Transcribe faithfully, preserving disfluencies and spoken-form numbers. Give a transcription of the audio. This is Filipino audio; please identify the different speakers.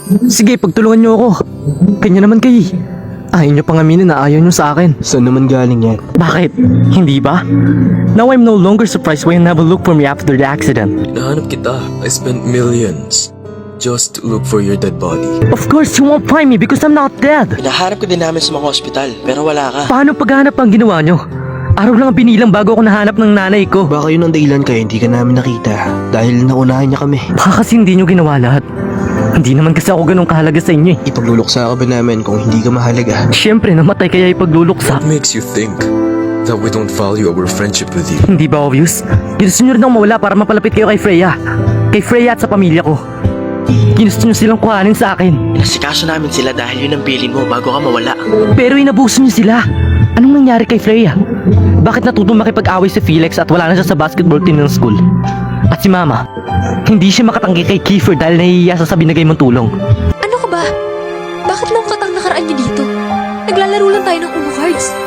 Speaker 1: Sige, pagtulungan niyo ako. Kanya naman kayo. Ayaw niyo pang aminin na ayaw niyo sa akin.
Speaker 2: Saan naman galing yan?
Speaker 1: Bakit? Hindi ba? Now I'm no longer surprised when you never look for me after the accident.
Speaker 3: Nahanap kita. I spent millions just to look for your dead body.
Speaker 1: Of course, you won't find me because I'm not dead.
Speaker 4: Hinahanap ka din namin sa mga ospital, pero wala ka.
Speaker 1: Paano paghanap ang ginawa niyo? Araw lang ang binilang bago ako nahanap ng nanay ko.
Speaker 2: Baka yun ang dahilan kaya hindi ka namin nakita. Dahil naunahan niya kami.
Speaker 1: Baka kasi hindi niyo ginawa lahat. Hindi naman kasi ako ganun kahalaga sa inyo eh.
Speaker 2: Ipagluluksa ka ba namin kung hindi ka mahalaga?
Speaker 1: Siyempre, namatay kaya ipagluluksa.
Speaker 3: What makes you think that we don't value our friendship with you?
Speaker 1: Hindi ba obvious? Ginusto nyo rin akong mawala para mapalapit kayo kay Freya. Kay Freya at sa pamilya ko. Ginusto nyo silang kuhanin sa akin.
Speaker 4: Nasikaso namin sila dahil yun ang bilin mo bago ka mawala.
Speaker 1: Pero inabuso nyo sila. Anong nangyari kay Freya? Bakit natutong makipag-away si Felix at wala na siya sa basketball team ng school? At si Mama, hindi siya makatanggi kay Kiefer dahil nahihiya sa binigay mong tulong.
Speaker 5: Ano ka ba? Bakit lang katang nakaraan niyo dito? Naglalaro lang tayo ng Uno Cards.